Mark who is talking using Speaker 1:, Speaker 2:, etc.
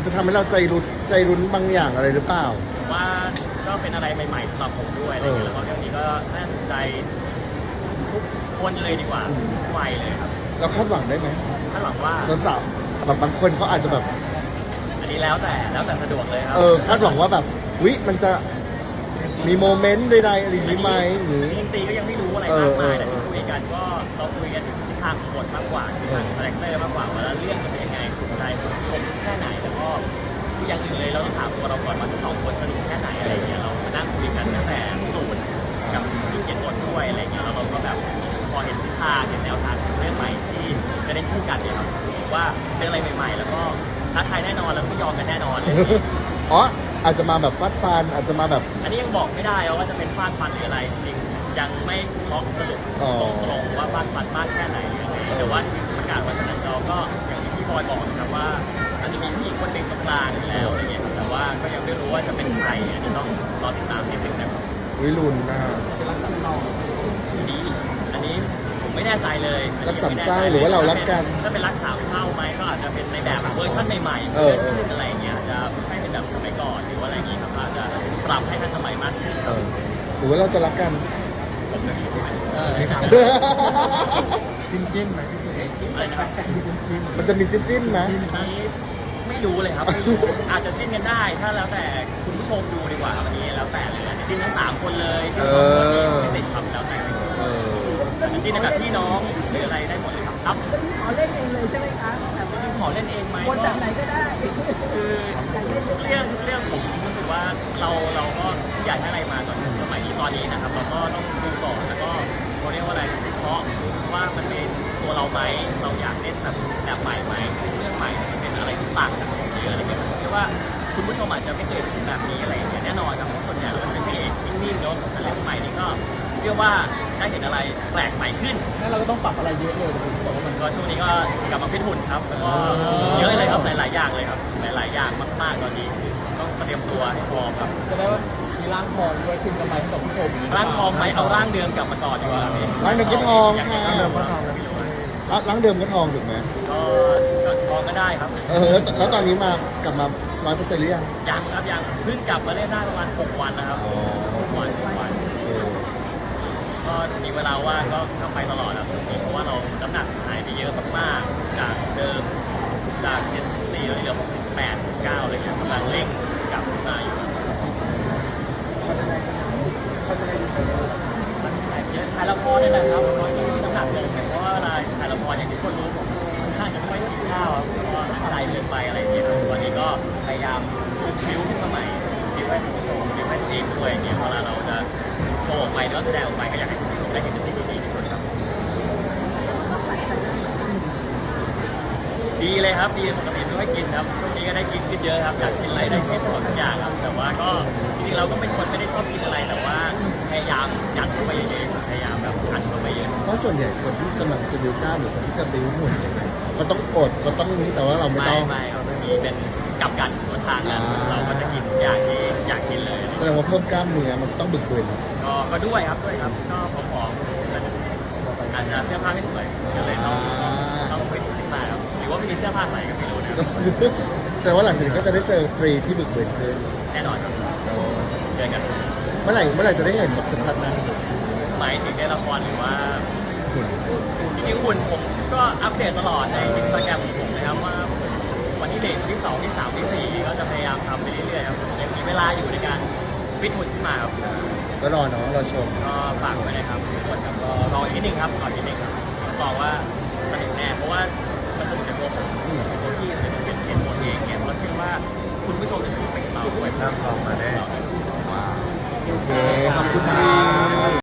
Speaker 1: จะทำให้เราใจรุ้นบางอย่างอะไรหรือเปล่า
Speaker 2: ว่าก็เป็นอะไรใหม่ๆสำหรับผมด้วยอะไรเงี้ยแล้วก็เรื่องนี้ก็น่าสนใจทุกคนเลยดีกว่าทุกวัยเลยครับ
Speaker 1: เราคาดหวังได้ไหม
Speaker 2: คาดหวังว่า
Speaker 1: สาวๆแบบบางคนเขาอาจจะแบบ
Speaker 2: อันนี้แล้วแต่สะดวกเลยครับ
Speaker 1: คาดหวังว่าแบบมันจะมีโมเมนต์ใดๆอะไรอย่างนี้ไหมหรือ
Speaker 2: จริงๆก็ยังไม่รู้อะไรมากมายแต่ที่คุยกันก็เราคุยกันถึงทิศทางบทมากกว่าทิศทางคาแรคเตอร์มากกว่าว่าเรื่องจะเป็นยังไงถูกใจผู้ชมแค่ไหนแล้วก็อย่างอื่นเลยเราต้องถามตัวเราก่อนว่าทั้งสองคนสนิทแค่ไหนอะไรเงี้ยเรามานั่งคุยกันตั้งแต่สูตรกับที่เขียนบทด้วยอะไรเงี้ยแล้วเราก็แบบพอเห็นทิศทางเห็นแนวทางเรื่องใหม่ที่จะได้คู่กันเนี่ยครับรู้สึกว่าเป็นอะไรใหม่ๆแล้วก็ท้าทายแน่นอนแล้วก็ยอมกันแน่นอนเลย
Speaker 1: อ๋ออาจจะมาแบบฟาดฟันอาจจะมาแบบ
Speaker 2: อันนี้ยังบอกไม่ได้ว่าจะเป็นฟาดฟันหรืออะไรจริงยังไม่เคาะสรุปตรงๆว่าฟาดฟันมากแค่ไหนแต่ว่าประกาศว่าชนะจอก็อย่างที่พี่บอยบอกนะครับว่าอาจจะมีผู้หญิงคนหนึ่งตรงกลางอยู่แล้วอะไรเงี้ยแต่ว่าก็ยังไม่รู้ว่าจะเป็นใครอันนี้ต้องรอติดตามนิดนึงนะครับ
Speaker 1: ลุ้นนะ
Speaker 2: อันนี้ผมไม่แน่ใจเลย
Speaker 1: รักสามเศร้าหรือว่าเรารักกัน
Speaker 2: ถ้าเป็นรักสามเศร้าไหมก็อาจจะเป็นในแบบเวอร์ชันใหม่ๆเกิดขึ้นอะไรเงี้ยอาจจะไม่ใช่เป็นแบบสมัยก่อนหรือว่าอะไรอย่างงี้ครับอาจจะปรับให้ทันสมัยมากขึ้น
Speaker 1: หรือว่าเราจะรักกัน
Speaker 2: ผมจะมี
Speaker 1: จิ้มไหม
Speaker 2: อะไรนะครับ
Speaker 1: มันจะมีจิ้มไหม
Speaker 2: ไม่รู้เลยครับอาจจะจิ้นกันได้ถ้าแล้วแต่คุณผู้ชมดูดีกว่าครับอันนี้แล้วแต่เลยจิ้นทั้ง3คนเลยทั้งสองคนไม่ติดทำแล้วแต่จิ้นแบบพี่น้องหรืออะไรได้หมดเลยครับ
Speaker 3: ขอเล่นเองเลยใช่ไหมคะแบบว่า
Speaker 2: ขอเล่นเองไหม
Speaker 3: คนจากไหนก็ได้
Speaker 2: คือเรื่องผมรู้สึกว่าเราก็อยากให้อะไรมาตอนสมัยนี้ตอนนี้นะครับเราก็ต้องดูก่อนแล้วก็เขาเรียกว่าอะไรเพราะว่ามันเป็นตัวเราไหมเราอยากเล่นแบบใหม่ไหมซึ่งเรื่องใหม่มันเป็นอะไรที่ต่างจากของเยอะอะไรเงี้ยผมเชื่อว่าคุณผู้ชมอาจจะไม่เคยเห็นแบบนี้อะไรอย่างเงี้ยแน่นอนครับส่วนใหญ่เราเป็นพระเอกนิ่งๆเนาะแต่เรื่องใหม่นี่ก็เชื่อว่าได้เห็นอะไรแปลกใหม่ขึ้น
Speaker 3: งั้นเราก็ต้องปรับอะไรเยอะเลยผมบอกว่ามัน
Speaker 2: ก็ช่วงนี้ก็กลับมาฟิตหุ่นครับแล้วก็เยอะเลยครับหลายๆอย่างเลยครับหลายๆอย่างมากๆตอนนี้ต้องเตรียมตัวให้พร้อมครับ
Speaker 3: จะได้ว่ามีร่างทองด้วยขึ้นกำไรให้กับผู้ชม
Speaker 2: ร่างทองไหมเอาร่างเดิมกลับมาก่อนดีกว่า
Speaker 1: ร่างเดิมก็ทองค่ะร่างเดิมก็ทองถูกไหม
Speaker 2: ก็ทองก็ได้ครับ
Speaker 1: แล้วตอนนี้มากลับมา100%หรือยัง
Speaker 2: ครับยังเพิ่งกลับมาเล่นได้ประมาณ6 วันนะครับ6 วันก็มีเวลาว่างก็ไปตลอดครับเพราะว่าเราน้ำหนักหายไปเยอะมากๆจากเดิมจาก74เราเหลือ68 9อะไรเงี้ยกำลังเร่งกลับมาอยู่ถ่ายละครนี่แหละครับตอนนี้น้ำหนักลงเพราะว่าอะไรถ่ายละครอย่างที่คนรู้ผมค่อนข้างจะไม่ค่อยกินข้าวแล้วก็ใจเกินไปอะไรอย่างเงี้ยวันนี้ก็พยายามคิ้วขึ้นมาใหม่คิ้วให้คุณผู้ชมคิ้วให้ตัวเองด้วยอย่างเงี้ยเวลาเราจะโชว์ออกไปหรือว่าแสดงออกไปก็อยากให้คุณผู้ชมได้เห็นสิ่งที่ดีที่สุดครับดีเลยครับดีปกติไม่ค่อยกินครับช่วงนี้ก็ได้กินขึ้นเยอะครับอยากกินอะไรได้กินหมดทุกอย่างครับแต่ว่าก็จริงๆเราก็เป็นคนไม่ได้ชอบกินอะไรแต่ว่าพยายามยัดเข้าไปเยอะๆพยายามแบบอัดเข้าไปเยอะ
Speaker 1: เพราะส่วนใหญ่คนที่กำลังจะบิวกล้ามหรือคนที่จะบิวหุ่นก็ต้องอดก็ต้องนี้แต่ว่าเราไม่ต้อง
Speaker 2: ไม่ครับมีเป็นกับกันสวนทางกันเราก็จะกินอย่างที่อยากกินเลย
Speaker 1: แสดงว่าเพิ่มกล้ามเนื้อมันต้องบึกบึน
Speaker 2: ก็ด้วยครับก็ผอมๆอาจจะเสื้อผ้าไม่สวยก็เลยต้องไปดูที่ตาครับหรือว่าไม่มีเสื้อผ้าใส่ก็ไม่รู้นะ
Speaker 1: แต่ว่าหลังจากนี้ก็จะได้เจอฟรีที่บึกบึนขึ้น
Speaker 2: แน่นอนครับเจอกัน
Speaker 1: เมื่อไหร่จะได้เห็นแบบชัดๆนะ
Speaker 2: หมายถึงในละครหรือว่าจริงๆหุ่นผมก็อัปเดตตลอดในอินสตาแกรมของผมนะครับว่าวันที่1ที่2ที่3ที่4ก็จะพยายามทำไปเรื่อยๆครับยังมีเวลาอยู่ในการฟิตหุ่นขึ้นมาครับ
Speaker 1: ก็รอเนาะรอชม
Speaker 2: ก็ฝากไว้นะครับทุกคนครับก็รออีกนิดนึงครับรออีกนิดนึงครับบอกว่าสนุกแน่เพราะว่ามันสนุกในตัวผมตัวที่เป็นเทสตัวเองเนี่ยเราเชื่อว่าคุณผู้ชมจะสนุกไปกับเราด้วย
Speaker 1: ครับขอบคุณมาได้โอเคขอบคุณพี่